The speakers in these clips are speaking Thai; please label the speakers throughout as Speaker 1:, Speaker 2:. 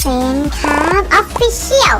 Speaker 1: ฟนครับออฟฟิเชียล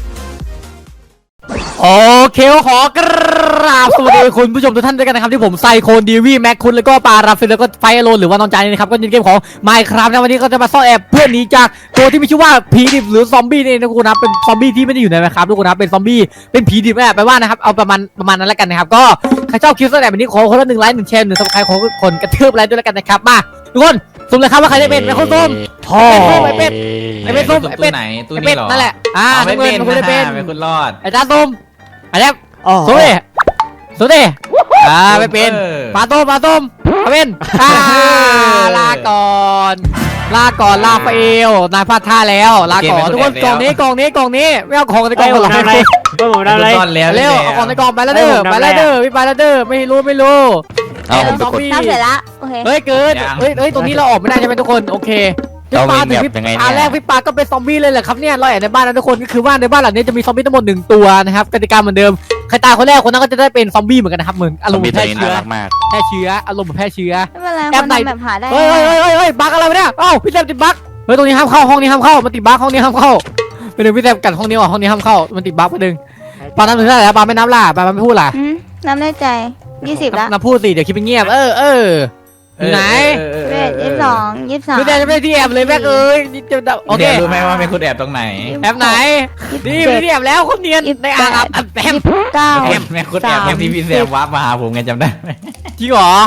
Speaker 2: โอเคขอกราบสวัสดีคุณผู้ชมทุกท่านด้วยกันนะครับที่ผมไซโคนดีวีแม็กคุณแล้วก็ปาราฟิลแล้วก็ไฟอโลนหรือว่าน้องจานนะครับก็ยินเกมของ Minecraft นะวันนี้ก็จะมาซ่อนแอบเพื่อนหนีจากตัวที่มีชื่อว่าผีดิบหรือซอมบี้นี่นะทุกคนนะเป็นซอมบี้ที่ไม่ได้อยู่ในMinecraftทุกคนนะเป็นซอมบี้เป็นผีดิบแอบไปว่านะครับเอาประมาณนั้นแล้วกันนะครับก็ใครชอบคลิปซ่อนแอบแบบนี้ขอคนละ1 ไลค์ 1 แชร์ 1 ซับสไครป์ของคนกระทืบไลค์ด้วยแล้วกันนะครับมาทุกคนสุ่มเลยครับว่าใครได้เป็นคนสุ่มไอเป็ดส้มไอเป็ด
Speaker 3: ไหนตู้
Speaker 2: ไอ
Speaker 3: นี้
Speaker 2: เป็ด
Speaker 3: หรอ
Speaker 2: นั่นแหละน้ำเงินคุณได้เป็น
Speaker 3: คุณรอด
Speaker 2: ไอ้จ้าส้มไอ้แจ๊บสุดดิไม่เป็นปลาต้มมาเป็นลาก่อนลาฟาเอลนายพลาดท่าแล้วลาก่อนทุกคนกล่องนี้ไม่เอาของในกล่องหรอก
Speaker 4: อะไรผมทำอะไร
Speaker 2: เร็วเอาของในกล่องไปแล้วเด้อพี่ไปแล้วเด้อไม่รู้ซอมบี้
Speaker 1: ทำเสร็จแล้วโอเค
Speaker 2: เฮ้ยเกินเฮ้ยตรงนี้เราออกไม่ได้ใช่ไหมทุกคนโอเคพี่ปาถึงพี่แรกพี่ปาก็เป็นซอมบี้เลยแหละครับเนี่ยเราแอบในบ้านนะทุกคนก็คือว่าในบ้านหลังนี้จะมีซอมบี้ทั้งหมด1 ตัวนะครับกติกาเหมือนเดิมใครตายคนแรกคนนั้นก็จะได้เป็นซอมบี้เหมือนกันนะครับเหมือนอารมณ์แพร่เชื้ออารมณ์แพร่เชื้อ
Speaker 1: ไม่เป็นไรคนทำแบบหาได้
Speaker 2: เฮ้ยบั๊กอะไรวะเนี่ยเอ้าพี่แซมติดบั๊กเฮ้ยตรงนี้ห้ามเข้าห้องนี้ห้ามเข้ามันติดบั๊กห้องนี้ห้ามเข้าไปดึงพี่แซมกัดห้องนี้ออกห้องนี้ห้ามเข้ามันติดบั๊กไปดึงปาน้ำถึงได้แล้วปาไม่นับล่ะปาไม่พูดล่ะ
Speaker 1: น้ำได้ใจ20แล้ว
Speaker 2: นับพูดสิเดี๋ยวคิดเป็นเงียบไหน
Speaker 1: เวท22 23
Speaker 2: พี่แซมจะไม่ได้ที่แอบเลยแม่เอ้ยโอเค
Speaker 3: รู้ไหมว่าเป็นคุณแอบตรงไหน
Speaker 2: แอบไหนนี่พี่แอบแล้วคนเนียนในอ่างอาบแอม
Speaker 1: 29
Speaker 3: แม่คุณแอบที่พี่แซมวับมาหาผมไงจำได้ไหม
Speaker 2: จริงเหรอ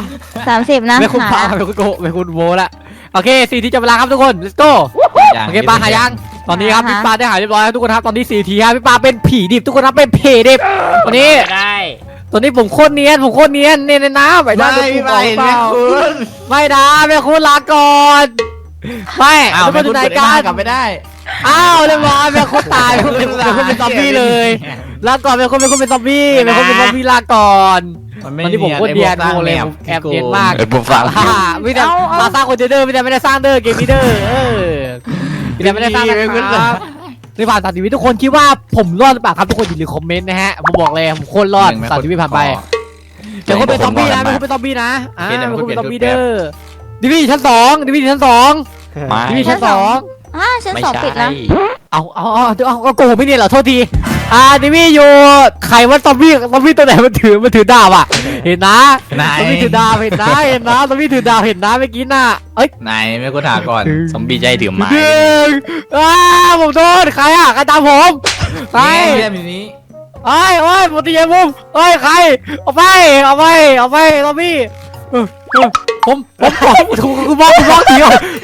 Speaker 1: 30นะ
Speaker 2: ไม่คุณพาไม่คุณโกไม่คุณโวละโอเค4 ทีจับเวลาครับทุกคน let's go โอเคปลาหายังตอนนี้ครับพี่ปลาได้หายเรียบร้อยแล้วทุกคนครับตอนนี้4 ทีครับพี่ปลาเป็นผีดิบทุกคนครับเป็นผีดิบวันนี้
Speaker 4: ได้
Speaker 2: ตอนนี้ผมโคตรเนียนในน้ำไปด้านไม่นะแม่คุณลาก่อนไม่
Speaker 3: อ้าว
Speaker 2: ทุกค
Speaker 3: ไม่
Speaker 2: นอ
Speaker 3: คุ
Speaker 2: ยู่
Speaker 3: ณ
Speaker 2: ไหน
Speaker 3: เปิด
Speaker 2: กั
Speaker 3: หน้าน กลับไม่ได้
Speaker 2: อ้าวเรียบร้อยแม่คุณตายเป็นซอมบี้เลยลาก่อนแม่คุณเป็นซอมบี้แม่คุณเป็นซอมบี้ลาก่อนตอนนี้ผมโคตรเนียนโมเลยผมแอบเนียนมาก
Speaker 5: ผมฟัง
Speaker 2: ไม่ได้มาสร้างคนเดอร์ไม่ได้สร้างเดอร์เกมนี้เดอร์ไม่ได้สร้างนะครับในผ่าน30 วิทุกคนคิดว่าผมรอดหรือเปล่าครับทุกคนอย่าลืมคอมเมนต์นะฮะผมบอกเลยผมโคตรรอด30 วิผ่านไปเดี๋ยวคนเป็นซอมบี้นะไม่คนเป็นซอมบี้นะไม่คนเป็นซอมบี้เดอร์ดิวิชั่น2ดิวิชั่น2
Speaker 5: ไม่
Speaker 2: ดิวิชั่น2
Speaker 1: ชั้น2ปิดแล้ว
Speaker 2: เอาโกหกไม่เนี่ยเหรอโทษทีดิวิอยู่ใครว่าซอมบี้ตัวไหนมันถือดาบอ่ะเห็นนะซอมบี้ถือดาบเห็นนะซอมบี้ถือดาบเห็นนะเมื่อกี้น่ะเอ้ย
Speaker 3: ไหนแม่คุณถามก่อน
Speaker 5: ซอมบี้ใจถือไม้
Speaker 2: ผมโดนใครอ่ะใครตามผมใคร
Speaker 3: เรื่องนี้
Speaker 2: โอ้ยผมตีเย็นมุมใครเอาไปซอมบี้ผมกูมองดี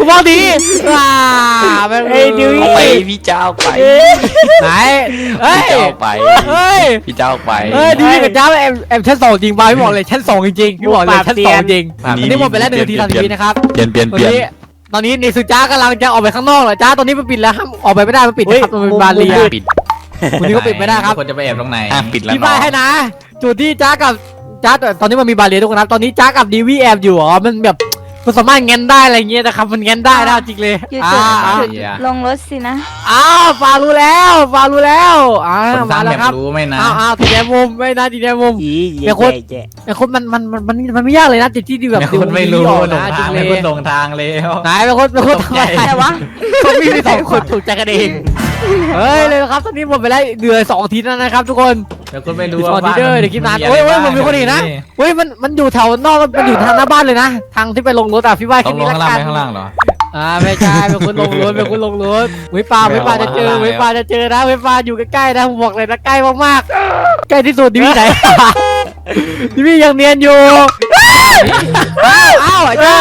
Speaker 2: ดิว
Speaker 5: เอาไปพี่เจ้าไป
Speaker 2: ไหน
Speaker 5: พี่เจ้าไป พี่เจ้าไป
Speaker 2: ดิวกับเจ้าแอมชั้น2จริงป่ะพี่บอกเลยชั้น2จริงพี่บอกเลยชั้น2จริงตอนนี้หมดไปแล้ว1 นาที30 วินะครับ
Speaker 5: เปลี่ยน
Speaker 2: ตอนนี้ในสุจ้ากำลังจะออกไปข้างนอกเหรอจ้าตอนนี้มันปิดแล้วห้ามออกไปไม่ได้มันปิดนะครับมันเป็นบาเรีย
Speaker 5: ปิด
Speaker 2: วันนี้ก็ปิดไม่ได้ครับ
Speaker 3: คนจะไปแอบตรงไหน
Speaker 5: ปิดแล้ว
Speaker 2: พี่บายให้นะจุดที่จ้ากับตอนนี้มันมีบาเรียทุกคนครับตอนนี้จ้ากับดีวีแอบอยู่อ๋อมันแบบมันสามารถเงินได้อะไรเงี้ยนะครับมันเงินได้นะจริงเลย
Speaker 1: อยู่จุดลงรถสินะ
Speaker 2: ฟารู้แล้ว
Speaker 3: คน
Speaker 2: มา
Speaker 3: ตาม
Speaker 2: แล้
Speaker 3: แบ
Speaker 2: ว
Speaker 3: บ
Speaker 2: ครับ
Speaker 3: รู้ไหมนะ
Speaker 2: ทีแดงมุมไม่นะทีแดงมุมแต่คนมันไม่ยากเลยนะจิตที่ดีแบบ
Speaker 3: แม่คุณไม่รู้
Speaker 2: ออก
Speaker 3: หล
Speaker 2: นะ
Speaker 3: ง
Speaker 2: จริ
Speaker 3: ทาง
Speaker 2: งเล
Speaker 3: แม่
Speaker 2: ย
Speaker 3: คุณหลงทางแล้ว
Speaker 2: ไหนเป็นคนทำไม
Speaker 1: อะไรวะ
Speaker 2: ต้องมี2 คนถูกใจกันเองเฮ้ยเลยครับตอนนี้หมดไปแล้วเหลือ2 อาทิตย์แล้วนะครับทุกคน
Speaker 3: แม่คุณไม่รู้
Speaker 2: ตอน
Speaker 3: ว่า
Speaker 2: นี้เดี๋ยวคลิปนานมันมีคนอีกนะมันอยู่แถวนอกมันอยู่ทางหน้าบ้านเลยนะทางที่ไปลงรถพี่ว่าค
Speaker 3: ต้
Speaker 2: ลิ
Speaker 3: อ
Speaker 2: ป
Speaker 3: งล
Speaker 2: นี้
Speaker 3: ง
Speaker 2: ละ
Speaker 3: ข้างล่าง
Speaker 2: กัน
Speaker 3: ไปข้างล่างเหรอ
Speaker 2: ไม่ใช่เป็นคนลงรถวิปาจะเจอวิปาจะเจอนะวิปาอยู่ใกล้ๆนะผมบอกเลยนะใกล้มากๆใกล้ที่สุดดิวี่ไหนดิวี่ยังเนียนอยู่อ้าวไอ้จ้า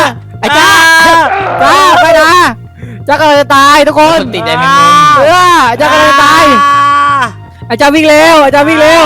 Speaker 2: ไปนะจ้ากำลังจะตายทุกคน
Speaker 3: ติดใจแม่
Speaker 2: จ้ากำลังจะตายไอ้จ้าวิ่งเร็วเจอระเบิด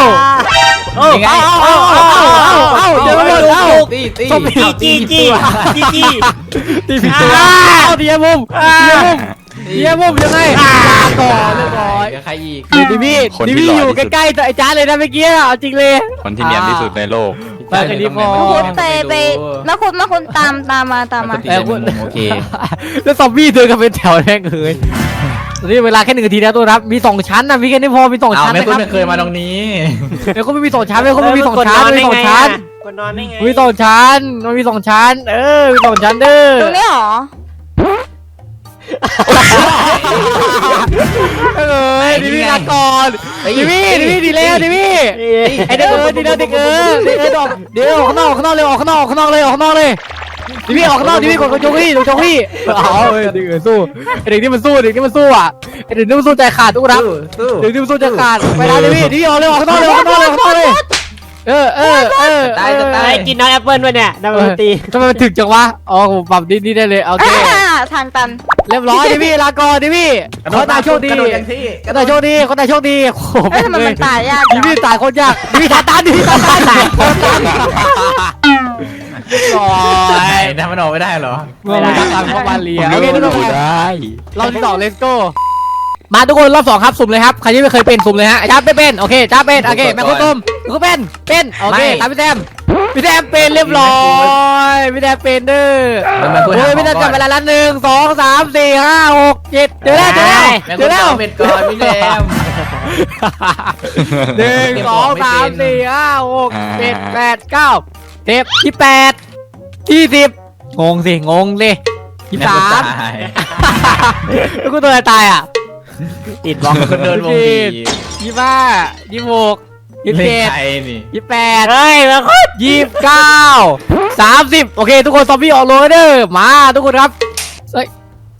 Speaker 4: จีตี
Speaker 2: ผิดตัวเดียมุมยังไงก่อนเรียบร้อย
Speaker 3: ใครอีก
Speaker 2: ดิวี่อยู่ใกล้ๆแต่ไอ้จ้าเลยนะเมื่อกี้เอาจริงเลย
Speaker 5: คนที่เนียนที่สุดในโลก
Speaker 2: ไปกันดีพอ
Speaker 1: คุณไปมาคุณตามมา
Speaker 3: โอเค
Speaker 2: แล้วซอมบี้เดินกันเป็นแถวแม่งเลยตอนนี้เวลาแค่1 นาทีนะตัวรับมี2 ชั้นนะพี่แค่นี้พอมี2 ชั้น
Speaker 3: แม่
Speaker 2: นะ
Speaker 3: คุ
Speaker 2: ค
Speaker 3: ณ
Speaker 2: รับ
Speaker 3: ไม่เคยมาตรงนี้
Speaker 2: แล้วก็ไม่มี2 ชั้นไม่มี2 ชั้นมี2 ชั้น
Speaker 4: คนนอนได้ไง
Speaker 2: มี2 ชั้นมันมี2 ชั้นมี2 ชั้นเด้อ
Speaker 1: ตรงนี้หรอ
Speaker 2: ดิวี่ลาก่อนดิวี่ดีแล้วดิวี่ไอเด็กดีแล้วเด็กเดี๋ยวออกข้างนอกเลยออกข้างนอกเลยดิวี่ออกข้างนอกดิวี่กดโจกี้เอาเด็กสู้เด็กนี่มันสู้อ่ะเด็กนี่มันสู้ใจขาดทุกครับเด็กนี่มันสู้ใจขาดไปแล้วดิวี่ออกเลยออกข้างนอกเลย
Speaker 3: ตาย
Speaker 4: ไอ้กินน้ำแอปเปิ้ลด้วยเนี่ยน้ำตี
Speaker 2: ทำไมมันถึกจังวะอ๋อผมปรับนี่ได้เลยโอเค
Speaker 1: ทางตัน
Speaker 2: เรียบร้อยดิวี่ลาก่อนดิวี่คนตายโชคดีคนตายโชคดีโอ้โห
Speaker 1: เอ้ยทำไมมันตายยาก
Speaker 2: ดิวี่ตายโคตรยากดิวี่ตายตาย
Speaker 3: ทำมันออกไม่ได้เหรอ
Speaker 2: ไม่ได้ตามเข้ามาเลีย
Speaker 5: โอ
Speaker 2: โอ
Speaker 5: เค
Speaker 2: เคทุกคน
Speaker 5: ได้
Speaker 2: รอบที่2 let's go มาทุกคนรอบ2ครับสุ่มเลยครับใครที่ไม่เคยเป็นสุ่มเลยฮะจ้าเป็นโอเคจ้าเป็นโอเคแม่คุณตุ้มคุณเป็นโอเคตามพี่แซมเป็นเรียบร้อยพี่แซมเป็นเด้อโอ้ยพี่แซมจับเวลาละ1 2 3 4 5 6 7เจอแล้ว
Speaker 3: เป็นก่อนพี่แซม
Speaker 2: 1 2 3 4 5 6 7 8 9เทปที่8ที่10งงเลย23แล้วกูตัวอะไรตายอ่ะ
Speaker 4: ติดบล็อก
Speaker 3: คนเดินวงดี
Speaker 2: 25 26 27
Speaker 3: นี่
Speaker 2: 28
Speaker 4: เฮ้ยมาคุด
Speaker 2: 29 30โอเคทุกคนซอมบี้ออกโรเดอร์มาทุกคนครับเฮ้ย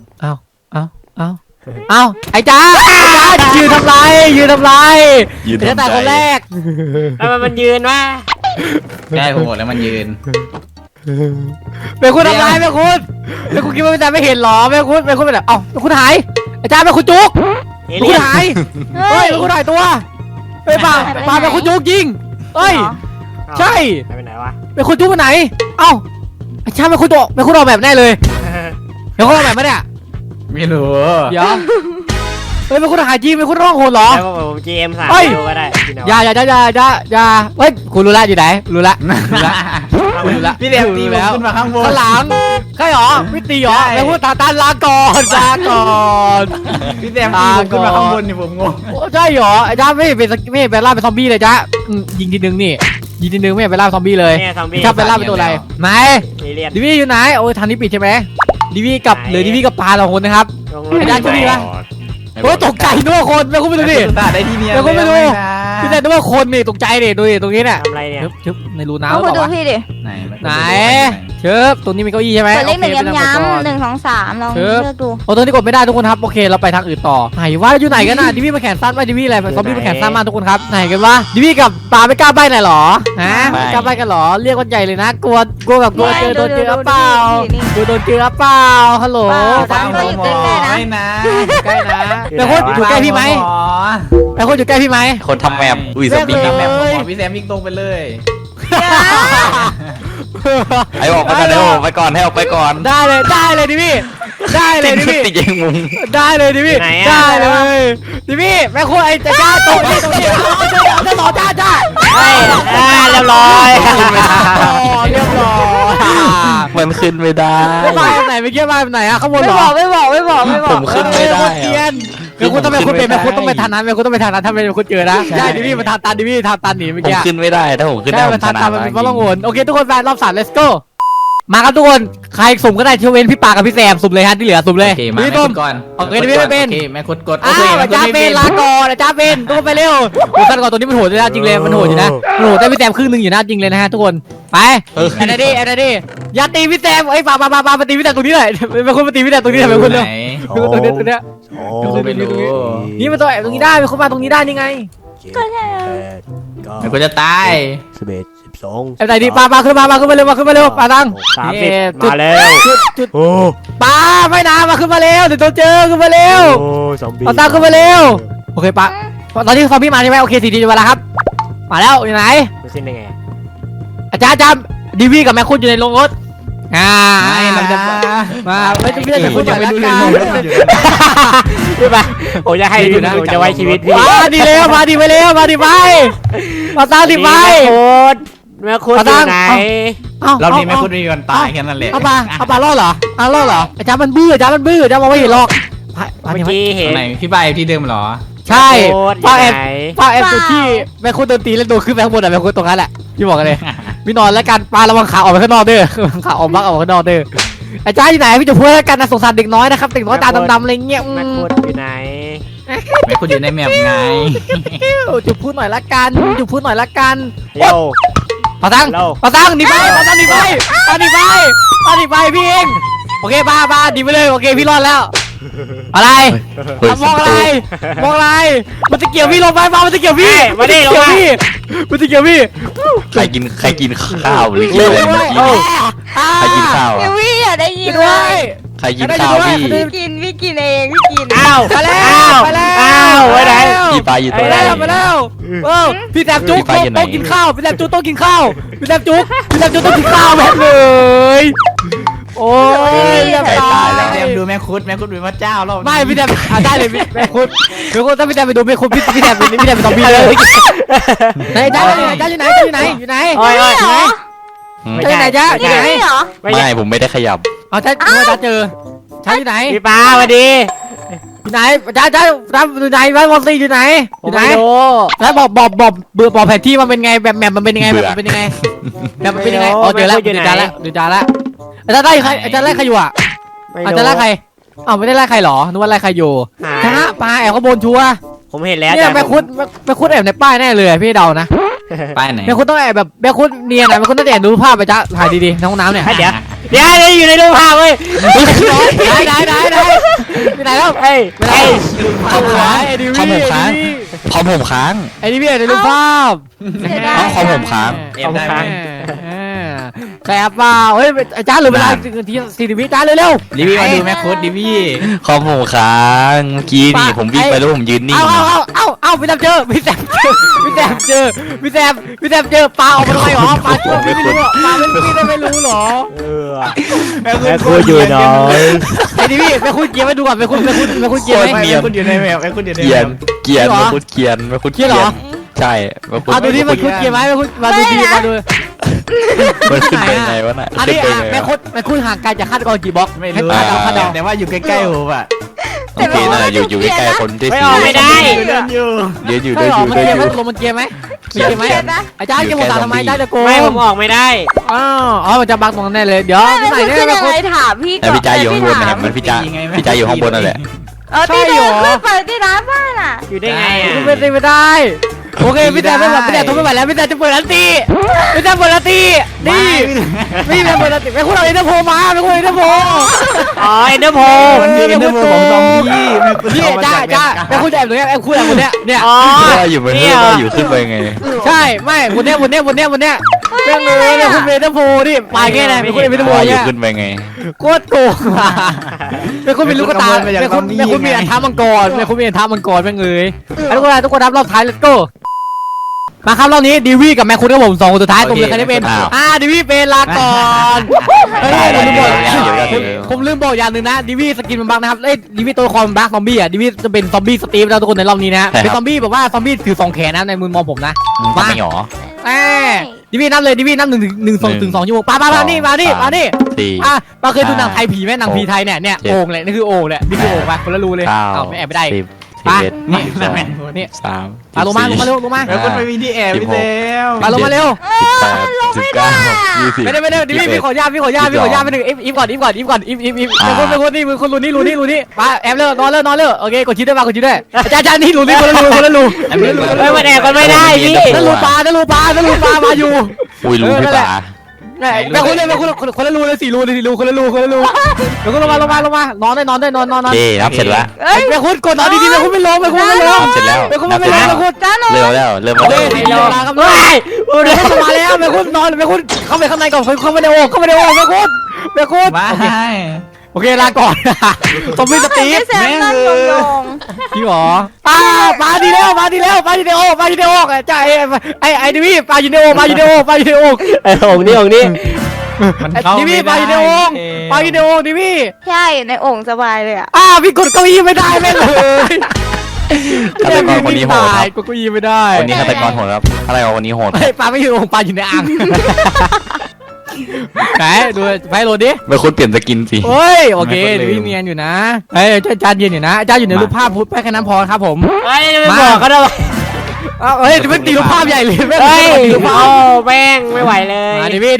Speaker 2: เอาไอ้จ้ายืนทำไรจะตายคนแรก
Speaker 4: แล้วมันยืนว่า
Speaker 3: ใช่ผมหมดแล้วมันยืน
Speaker 2: เป็นคุณทำไรเป็นคุณคิดว่าเป็นแต่ไม่เห็นหรอเป็นคุณเป็นแบบเอ้าเป็นคุณหายไอ้จ้าเป็นคุณจุก
Speaker 4: เอ
Speaker 2: เป็น
Speaker 4: เลี่
Speaker 2: คุ
Speaker 4: ย
Speaker 2: ณ
Speaker 4: น
Speaker 2: หายเฮ้ยเป็นคุณหายตัวเฮ้ยป่าเป็นคุณจุกยิงเฮ้ยใช่
Speaker 4: ไปไหนวะ
Speaker 2: เป็นคุณจุกไปไหนเอ้าไอ้จ้าเป็นคุณออกแบบแน่เลยเป็นคุณออกแบบไหมเนี่ย
Speaker 3: ไม่รู้
Speaker 2: เดี๋ยวเฮ้ยเป็นคุณหายจริงเป็นคุณร้องโหดเหรอ
Speaker 4: แล้วผม GM 3
Speaker 2: เฮ้ย
Speaker 4: ดูก็ได้
Speaker 2: อย่าเฮ้ยคุณรู้ละอยู่ไหนรู้ละ
Speaker 3: พี่แซมตีแล้วขึ้นมาข้างบน
Speaker 2: ข้างหลังใช่หรอไม่ตีหรอแล้วพูดตาลาก่อน
Speaker 3: พี่แซมตีผมขึ้นมาข้างบนนี่ผมงง
Speaker 2: ใช่หรอไอ้จ้าไม่เป็นล่าเป็นซอมบี้เลยจ้ายิงทีนึงไม่เป็นล่าซอมบี้เลย
Speaker 4: เนี่ยซอมบี้
Speaker 2: ถ้าเป็นล่าเป็นตัวอะไรไหน
Speaker 4: เอเลี่ยน
Speaker 2: ดิวี่อยู่ไหนโอ้ยทางนี้ปิดใช่ไหมดิวี่กับหรือดิวี่กับปลา2 คนนะครับ ไอ้ด้านที่ดีปะ โอ้ยตกใจนึกว่าคนไม่คุณไปดูดิ
Speaker 3: ตาได้ที่เนีย
Speaker 2: เดี๋ยวคุณไปดู พี่แต่นึกว่าคนนี่ตกใจดิดูดิตรงนี้เนี่ย
Speaker 4: ทำอะไรเนี่ย
Speaker 2: ชึบในรูน้ำ
Speaker 1: เอา
Speaker 2: หรือ
Speaker 1: คุณ
Speaker 2: เป
Speaker 1: ดู
Speaker 2: ล่าวะ
Speaker 1: พี่ดิ
Speaker 3: ไหน
Speaker 2: เชิบตรงนี้มีเก้าอี้ใช่ไหม
Speaker 1: กดเลข
Speaker 2: โอค
Speaker 1: 1 ย้ำๆ1 2 3ลองเลือกดู
Speaker 2: โอ้ตรงนี้กดไม่ได้ทุกคนครับโอเคเราไปทางอื่นต่อไหนว่าอยู่ไหนกันน่ะดิวี่มาแขนสั้นไหมดิวี่อะไรซอมบี้มาแขนสั้นมากทุกคนครับไหนกันวะดิวี่กับปลาไม่กล้าใบ้หน่อยหรอฮะไม่กล้าใบ้กันหรอเรียกคนใหญ่เลยนะกลัวแบบกลัวเจอโดนเจอเปล่ากลัวโดนเจอเปล่าฮัลโหล
Speaker 3: ฟังก็อยู่ใกล้ๆนะ
Speaker 2: ใกล้นะแต่คนอยู่ใกล้พี่ไหมแต่คนอยู่ใกล้พี่ไหม
Speaker 5: คนทำแมปอุ้ยซอมบี้
Speaker 2: แม่
Speaker 5: ทำ
Speaker 2: ง
Speaker 5: แม
Speaker 2: เลย
Speaker 5: ป
Speaker 3: พี่แซมวิ่งตรงไปเลย
Speaker 5: ไอ้ออกไปก่อนให้ออกไปก่อน
Speaker 2: ได้เลยดิพี่ได้เลยดิพี่
Speaker 5: ติดยังมุง
Speaker 2: ได้เลยดิพี่
Speaker 4: ไหนอะ
Speaker 2: ได้เลยดิพี่แม่คุณไอ้จ้าตรงนี้จะต่อจ้า
Speaker 4: เฮ้ยเรียบร้อย
Speaker 2: เรียบร้อย
Speaker 5: มันขึ้นไม่ได้
Speaker 2: ไม่มาไหนไม่เกี่ยวมาไหนอะข้างบน
Speaker 1: ไม่
Speaker 2: เหร
Speaker 1: บ
Speaker 2: อ
Speaker 1: อกไม่บอก
Speaker 5: ผมขึ้นไม่ได้
Speaker 2: เทียนแม่คุณต้องเป็นแม่คุณต้องไปทางนั้นแม่คุณต้องไปทางนั้นถ้าเป็นคุณเจอนะใช่ดิพี่มาทางตันดิพี่ทางตันหนีเมื่อ
Speaker 5: ผม
Speaker 2: กี้
Speaker 5: ขึ้นไม่ได้ถ้าผมขึ้นได้
Speaker 2: ได้
Speaker 5: ผม
Speaker 2: มา
Speaker 5: ช
Speaker 2: ทาง
Speaker 5: นะ
Speaker 2: ตันมันเป็นเพราะล่องหนโอเคทุกคนแฟนรอบ3 let's go มาครับทุกคนใครสุ่มก็ได้ที่เว้นพี่ปากับพี่แซมสุ่มเลยฮะที่เหลือสุ่มเลย
Speaker 3: โอเคมา
Speaker 2: พี่
Speaker 3: แม่
Speaker 2: ต้
Speaker 3: คุ
Speaker 2: ม
Speaker 3: ณก่อน
Speaker 2: โอเคดิพี่ไม่เป็น
Speaker 3: โอเคแม่คุณกด
Speaker 2: อ้าวอาจารย์เป็นลาก่อนอาจารย์เป็นทุกคนไปเร็วโอ้ท่านก่อนตัวนี้มันโหดเลยนะจริงเลยมันโหดอยู่นะมันโหดได้พี่แซมครึ่งนึงอยู่นะจริงเลยนะฮะทุกคนไปแอนนาดี้อย่าตีพี่แซมไอ้ปามาตีพี่แซมตรงนี้หน่อยเป็นคนมาตีพี่แซมตรงนี้หน่อยเป็นคนเร็ว
Speaker 3: ไหน
Speaker 2: เป็นคนตรงนี้
Speaker 3: ไม่รู้
Speaker 2: นี่มันตัวแอบตรงนี้ได้เป็นคนมาตรงนี้ได้นี่ไง
Speaker 1: ก็ใช่
Speaker 3: แม่คุณจะตาย
Speaker 4: 11 12
Speaker 2: ไอ้ไหนดิปาขึ้นมาเร็วปาตัง
Speaker 4: 30มาแล้ว
Speaker 2: จุด
Speaker 4: โอ้
Speaker 2: ปาไม่นามาขึ้นมาเร็วเดี๋ยวตัวเจอขึ้นมาเร็ว
Speaker 4: โอ้ซอมบี้
Speaker 2: ปาตังขึ้นมาเร็วโอเคปะตอนนี้ซอมบี้มาใช่ไหมโอเค4 ทีเวลาครับมาแล้วอยู่ไหน
Speaker 4: มันขึ้นได้ไง
Speaker 2: อาจารย์ดีวีกับแม่คุณอยู่ในโรงรถ
Speaker 3: ไม่นะ
Speaker 2: มาไม่ต้องเรียกแต่คุณ
Speaker 3: ยังไม่รู้เลย
Speaker 2: ไป
Speaker 4: ผมจะให้พี่ผมจะไว้ชีวิตพี่
Speaker 2: มาดีแล้วมาดีไปแล้วมาดีไปมาตาดีไป
Speaker 4: แม่คุณอยู่ไหน
Speaker 3: เรานี่แม่คุณมีวันตายแค่นั้นแหละ
Speaker 2: เอาปลารอดเหรอรอดเหรออาจารย์มันบื้ออาจารย์มองไม่เห็นหรอก
Speaker 4: เมื่อกี้เห็น
Speaker 3: ไหนพี่ใบที่เดิมเหรอ
Speaker 2: ใช่ป้าแอบ
Speaker 4: ไหน
Speaker 2: จุดที่แม่คุณโดนตีแล้วโดนขึ้นไปข้างบนอะแม่คุณตรงนั้นแหละพี่บอกกันเลยพี่นอนแล้วกันปลาระวังขาออกไปข้างนอกเด้อขาออกบักออกข้างนอกเด้ออาจารย์อยู่ไหนพี่จะพูดแล้วกันนะสงสารเด็กน้อยนะครับเด็กน้อยตาดำๆอะไรเงี้ย
Speaker 4: แม่คุณอยู่ไหน
Speaker 2: อ่
Speaker 3: แม่คุณอยู่ในแมปไง
Speaker 2: จุดพูดหน่อยละกันจุดพูดหน่อยละกัน
Speaker 4: เร็ว
Speaker 2: ปาตัง
Speaker 4: เรา
Speaker 2: ปาตังหนีไปปาตังหนีไปปาหนีไปปาหนีไปพี่เองโอเคบ้าหนีไปเลยโอเคพี่รอดแล้วอะไร
Speaker 5: เฮ้ย
Speaker 2: มองอะไรมองอะไรมันจะเกี่ยวพี่ลงไปมามันจะเกี่ยวพี่
Speaker 4: มาดิลงมา
Speaker 2: มันจะเกี่ยวพี่
Speaker 5: ใครกินข้าวหรือกินอะไรเมื่อกี้ใครกินข้าว
Speaker 1: เอ
Speaker 5: อ่ะ
Speaker 1: วี่อย่าได้ยิน
Speaker 2: ด้
Speaker 1: เล
Speaker 2: วย
Speaker 1: ย
Speaker 5: ใครกินข้าวพี่
Speaker 1: พี่กินเองพี่กิน
Speaker 4: อ้าว
Speaker 2: ไปแล้ว
Speaker 4: อ้าว
Speaker 2: ไปแล้ว
Speaker 4: อ้าวไปไหน
Speaker 5: พี่ปลาอยู่
Speaker 2: ไป
Speaker 5: ตัวไหน
Speaker 2: แล้วไปแล้วพี่แซมจุ๊ก
Speaker 5: พี่ไปอยู่ไหน
Speaker 2: ต้องกินข้าวพี่แซมจุ๊กต้องกินข้าวพี่แซมจุ๊กต้องกินข้าวแบบเลยโอ้ยจะ
Speaker 3: ไก่
Speaker 2: ตา
Speaker 3: ตาย
Speaker 2: ย
Speaker 3: แล้วแซมดูแม่คุดเป็นพระเจ้าแล้ว
Speaker 2: ไม่พี่แซมได้เลยแม่คุณถ้าพี่แซมไปดูแม่คุณพี่แซมเป็นซอมบี้เลยไหนจ้าอยู่ไหนอยู่ไหน
Speaker 4: โอ้ยโอ้ย
Speaker 1: เหรอ
Speaker 2: จ้าอยู่ไหนจ้าอยู่ไหน
Speaker 1: นี่เหรอ
Speaker 4: ไม่ใช่
Speaker 5: ไม่ผมไม่ได้ขยับ
Speaker 2: เอาจ้าเจอจ้าอยู่ไหน
Speaker 4: พี่ปาสวัสดี
Speaker 2: อยู่ไหนจ้าอยู่ไหนบ้านวอลซีอยู่ไหนอยู่ไหน
Speaker 4: โอ้
Speaker 2: แล้วบอกแผนที่มันเป็นไงแบบแมปมันเป็นยังไงแบบมันเป็นยังไงแบบมันเป็นยังไงอ๋อเจอแล้วดูจานแล้วอาจารย์ไล่ใครอาจารย์ไล่ใครอยู่อ่ะอาจารย์ไล่ใครอ้าวไม่ได้ไล่ใครหรอนึกว่าไล่ใครอยู่ชนะปลาแอบข้างบนชัว
Speaker 4: ผมเห็นแล้ว
Speaker 2: เนี่ยแม่คุณแอบในป้ายแน่เลยพี่เดานะ
Speaker 3: ไปไหน
Speaker 2: แม่คุณต้องแอบแบบแม่คุณเนียนนะแม่คุณต้องแอบดูภาพไปจ้าถ่ายดีๆในห้องน้ำเนี่ย
Speaker 4: เดี๋ยวอยู่ในรูปภาพเว้ย
Speaker 2: ได้ไปไหนแล้ว
Speaker 4: เฮ้ย
Speaker 2: ไอ้ดิวี่
Speaker 5: คอมผมค้าง
Speaker 2: ไอ้ดิวี่ในรูปภาพ
Speaker 1: เสียดาย
Speaker 5: เอาคอมผมค้าง
Speaker 3: เอ็มได้ไหม
Speaker 2: แสบเปล่าเฮ้ยจ้าเหลือเวลาที40 วิจ้าเร็ว
Speaker 3: ดิวี่มาดูแม่คุดดิวี่
Speaker 5: คอมผมค้างเมื่อกี้นี่ผมวิ่งไปแล้วผมยืน
Speaker 2: ๆ
Speaker 5: นิ่ง
Speaker 2: เอาพี่แซมเจอพี่แซมเจอปลาออกมาทำไมหรอปลาช่วยพี่ไม่รู้ปลาไม่รู้หรอ
Speaker 4: แม่ครัวอยู่น้อย
Speaker 2: ไอ้ดิวี่ไปคุณเกียร์ไปดูก่อนไปคุณเกียร์ไหม
Speaker 3: แม่คุณอยู่ในแมปแม่คุณอยู่ใน
Speaker 5: เกี
Speaker 3: แม
Speaker 5: ยน
Speaker 3: ป
Speaker 5: เกียนมาคุดเกียนมาคุดเกียนใช่มาคุด
Speaker 2: เอาดูที่มันคุณเกียร์ไหมไปคุณมาดูดีมาดู
Speaker 5: มันขึ้นไปไงวะน่ะ
Speaker 2: อัน
Speaker 5: ขึ้น
Speaker 2: นี้
Speaker 5: ไปไง
Speaker 2: แม่คุณห่างไกลจากฆาตกรกี่บล็อก
Speaker 3: ไม่รู้
Speaker 2: คาดเดา
Speaker 3: แต่ว่าอยู่ใกล้ๆผมอ่ะ
Speaker 5: โอเคน่ะอยู่ใกล้ๆคนที่
Speaker 4: ไม่
Speaker 5: สี
Speaker 4: ออกไม่ได้
Speaker 3: เดินอยู่
Speaker 5: เดินอยู่
Speaker 2: ใช่
Speaker 5: เดิน
Speaker 2: หร
Speaker 5: อ
Speaker 2: อยู่ มัน
Speaker 5: เดิน
Speaker 2: เกีย
Speaker 5: อ
Speaker 2: ร์ไหม
Speaker 5: ยู่
Speaker 2: ลงมันเกียร์ไหม
Speaker 5: เกียร์
Speaker 2: ไหม
Speaker 1: เสียดาย
Speaker 2: อาจารย์เกียร์หมดทำไมได้ตะโกน
Speaker 4: ไม่ผมออกไม่ได้
Speaker 2: อ๋อมันจะบักตรงนั้นแน่เลยเดี๋ยว
Speaker 1: ไม่
Speaker 2: ที่ไหน
Speaker 1: คุณ
Speaker 2: เนี่ย
Speaker 1: ขึ้น
Speaker 2: แม่
Speaker 1: ยัง
Speaker 2: คุณ
Speaker 1: ไงถามพี่
Speaker 5: แต่พี่จ้าอยู่ข้างบนนะครับมันพี่จ้าอยู่ข้างบนนั่นแหละ
Speaker 1: ที่เดินขึ้นไปที่ร้านบ้านอ่ะ
Speaker 4: อยู่ได้ไงอ่ะ
Speaker 2: ไม่ได้โอเคพี่แซมไม่ไหวพี่แซมทนไม่ไหวแล้วพี่แซมจะเปิดอันตีพี่แซมเปิดอันตีนี่พี่แซมเปิดอันตีแม่คุณเอาเอ็นเตอร์โพมาแม่คุณเอ็นเตอร์โพ
Speaker 4: อ๋อเอ็นเดอร์โพ
Speaker 3: มันมีกันเดินของซอมบี้แม่คุณ
Speaker 2: พี่จ้าแม่คุณจะแอบตรงนี้แอบคุณแอบคนเนี้ยเนี่ย
Speaker 4: อ๋อ
Speaker 5: ว่าอยู่บนเรือว่าอยู่ขึ้นไปไง
Speaker 2: ใช่ไม่คนเนี้ยแม่งเลยเนี่ยคุณเอ็นเตอร์โพนี่ปลายแค่ไหนคุณเอ็นเตอร์โพ
Speaker 5: ว่าอยู่
Speaker 2: เนี่ย
Speaker 5: ขึ้นไปไง
Speaker 2: โคตรโกงแม่คุณเป็นลูกตาแม่คุณมีอันท้ามังกรแม่คุณมีอันท้ามังกรแม่งเลยทุกคนรับรอบท้าย let's go มาครับรอบนี้ดีวี่กับแม่คุณกับผม2คนสุดท้ายตรงเลยใครได้เป็นดีวี่เป็นลาก่อนผมลืมบอกอย่างหนึ่งนะดีวี่สกินมันบักนะครับดีวี่ตัวละครบักซอมบี้อ่ะดีวี่จะเป็นซอมบี้สตีฟแล้วทุกคนในรอบนี้นะเป็นซอมบี้แบบว่าซอมบี้ถือ2แขนนะในมุมมองผมนะ
Speaker 5: มาไม่หรอ
Speaker 2: ดีวี่นับเลยดีวี่นับ1-2 ชั่วโมงมานี่
Speaker 5: สี่
Speaker 2: มาเคยดูหนังไทยผีไหมหนังผีไทยเนี่ยโอ่งแหละนี่คือโอ่งแหละนี่คือโอ่งไปคนละรูเลย
Speaker 5: เก้า
Speaker 2: ไม่แอบไม่ได้
Speaker 5: สิบ
Speaker 2: ไป
Speaker 3: นี่
Speaker 5: สอง
Speaker 2: นี่
Speaker 5: สาม
Speaker 2: ลงมาเร็ว
Speaker 3: แม่คุณไม่มีที่แอบพี่เซล
Speaker 2: มาลงมาเร็ว
Speaker 5: 18 19 20
Speaker 2: ไม่ได้ดิวี่พี่ขอญาตไปหนึ่งอีฟก่อนเป็นคนรูนี่มาแอบเร็วนอนเร็วโอเคกดชิดด้วยอาจารย์นี่รูนี่คนละรู
Speaker 4: ไม่มาแอบกันไม่ได้พี่
Speaker 2: นั่นรูปลามาอยู่
Speaker 5: อุ้ยรู้พี่ป๋า
Speaker 2: แม่คุณคนละรูเลย4 รูคนละรูเดี๋ยวคุณลงมานอนได้นอน
Speaker 5: เอ๊นับเสร็จแล้ว
Speaker 2: แม่คุณกดนอนดีๆแม่คุณไม่ลง
Speaker 5: นับเสร็จแล้ว
Speaker 2: แม่คุณไม่ลงแม่คุณ
Speaker 1: จ้าหนู
Speaker 5: เริ่มแล้วเริ่ม
Speaker 2: เล่
Speaker 5: แล้ว
Speaker 2: นครับเลยแม่คุณมาแล้วแม่คุณนอนแม่คุณเข้าไปข้างในก่อนเข้าไปในโอ่งแม่คุณ
Speaker 3: มา
Speaker 2: โอเคลาก่อนซอมบี้สตีฟ
Speaker 1: แซมนั่งยอง
Speaker 2: พี่หรอมาดีแล้วปลาอยู่ในโอ่งจ่าไอ้ดิวี่ปลาอยู่ในโอ่ง
Speaker 4: ไอ้องนี่
Speaker 3: มันเข้า
Speaker 2: ดิวี่ปลาอยู่ในโอ่งดิวี่
Speaker 1: ใช่ในโอ่งสบายเลยอ่ะ
Speaker 2: พี่กดเก้าอี้ไม่ได้แม่เลย
Speaker 5: ฆาตกรคนนี้โหดครับ
Speaker 2: กดเก้าอี้ไม่ได้
Speaker 5: คนนี้ฆาตกรโหดครับฆาตกรคนนี้โหด
Speaker 2: ปลาไม่อยู่โอ่งปลาอยู่ในอ่างไหนดูไปโหลดดิ
Speaker 5: ไม่คุณเปลี่ยนสกินสิ
Speaker 2: เฮ้ยโอเคดิวี่เนียนอยู่นะอาจารย์เย็นอยู่นะอาจารย์อยู่ในรูปภาพพูดไปแค่นั้นพอครับผม
Speaker 4: ไอ้ไม่บอกก็ได้
Speaker 2: เฮ้ยจะเป็นตีรูปภาพใหญ่เลยแม่ง
Speaker 4: เฮ้ย
Speaker 2: ตีรูปภาพ
Speaker 4: โอ้แม่งไม่ไหวเลย
Speaker 2: ดิวี่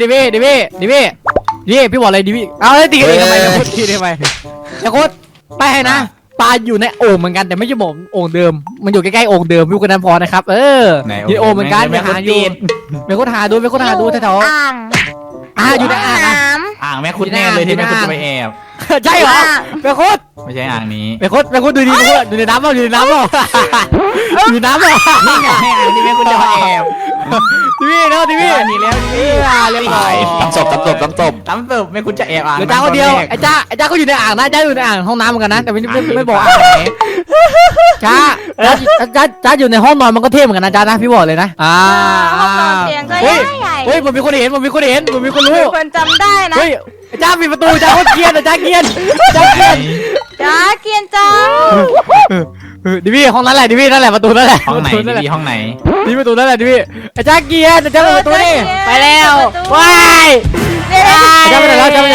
Speaker 2: พี่บอกอะไรดิวี่เอาเลยตีกันเองทำไมพูดทีทำไมอย่าโคตรไปให้นะปลาอยู่ในโอ่งเหมือนกันแต่ไม่ใช่ผมโอ่งเดิมมันอยู่ใกล้ๆโอ่งเดิมอยู่กันนั้นพอนะครับอยู่ในโอ่งเหมือนกันไปหาอยู่ไปค้นหาดูแถว
Speaker 1: อ่าง
Speaker 2: อยู่ในอ่าง
Speaker 1: น้
Speaker 3: อ่างแม่คุณแน่เลยที่แม่คุณจะไปแอบ
Speaker 2: ใช่เหรอไปค้น
Speaker 3: ไม่ใช่อ่างนี้
Speaker 2: ไปค้นดูดีดูในน้ำเปล่าอยู่ในน้ำเปล่าอยู่น้ำเปล่า
Speaker 3: นี่ไงอ่างที่แม่คุณจะมาแอบ
Speaker 2: ทีวีเนาะทีวี
Speaker 3: นี่แล้วนี่
Speaker 2: เรียบร้อย
Speaker 5: ตำศพ
Speaker 3: ตำเติบแม่คุณจะแอบอ่าง
Speaker 2: เดี๋ยวจ้าคนเดียวไอ้จ้าก็อยู่ในอ่างนะจ้าอยู่ในอ่างห้องน้ำเหมือนกันนะแต่ไม่บอกอ่างไหนจ้าอยู่ในห้องนอนมันก็เท่เหมือนกันนะจ้านะพี่บอกเลยนะ
Speaker 1: ำห้องนอนเตียงก็ใหญ่
Speaker 2: เฮ้ยผมมีคนเห็นผมมีคนรู้
Speaker 1: มีคนจำได้นะ
Speaker 2: เฮ้ยจ้าปิดประตูจ้าโคตรเกลียดจ้าเกลียด
Speaker 1: จ้าเกรียนจัง
Speaker 2: ดิวี่ห้องนั้นแหละดิวี่นั่นแหละประตูนั่นแหละ
Speaker 3: ห้องไหนดีห้องไหน
Speaker 2: ดิประตูนั่นแหละดิวี่จ้าเกลียดจ้าเปิดประตูนี่
Speaker 4: ไปแล้วว้าย
Speaker 2: จ้าไปไหนแล้วจ้า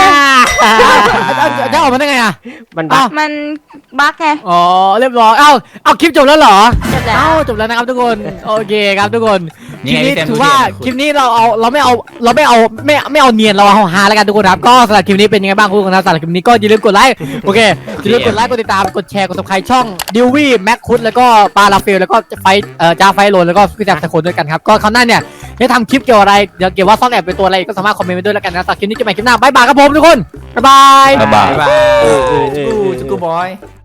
Speaker 2: ออกมาได้ไงอ่ะ
Speaker 4: มันบัก
Speaker 1: มันบั๊กไง
Speaker 2: อ๋อเรียบร้อยเอาคลิปจบแล้วเหรอ
Speaker 1: จบแล้ว
Speaker 2: จบแล้วนะครับทุกคนโอเคครับทุกคนค
Speaker 3: นี่
Speaker 2: ลิป
Speaker 3: ไง
Speaker 2: นี้
Speaker 3: พี่แซม
Speaker 2: ถือว่าคลิปนี้เราไม่เอาเนียนเราเอาฮาแล้วกันทุกคนครับก็สำหรับคลิปนี้เป็นยังไงบ้างทุกคนครับสำหรับคลิปนี้ก็อย่าลืมกดไลค์โอเคอย่าลืมกดไลค์กดติดตามกดแชร์กด subscribe ช่องดิววี่แม็กคุดแล้วก็ปาราเฟลแล้วก็จ้าไฟโลนแล้วก็พี่แซมสคนด้วยกันครับก็คราวหน้าเนี่ยจะทำคลิปเกี่ยวอะไรเดี๋ยวเกี่ยวว่าซ่อนแอบเป็นตัวอะไรก็สามารถคอมเมนต์ไว้ด้วยแล้วกันนะสำหรับคลิปนี้จะไปคลิปหน้าบ๊ายบายครับผมทุกคนบ๊ายบาย
Speaker 5: บ๊ายบาย
Speaker 3: บ๊ายบายจุกูบอย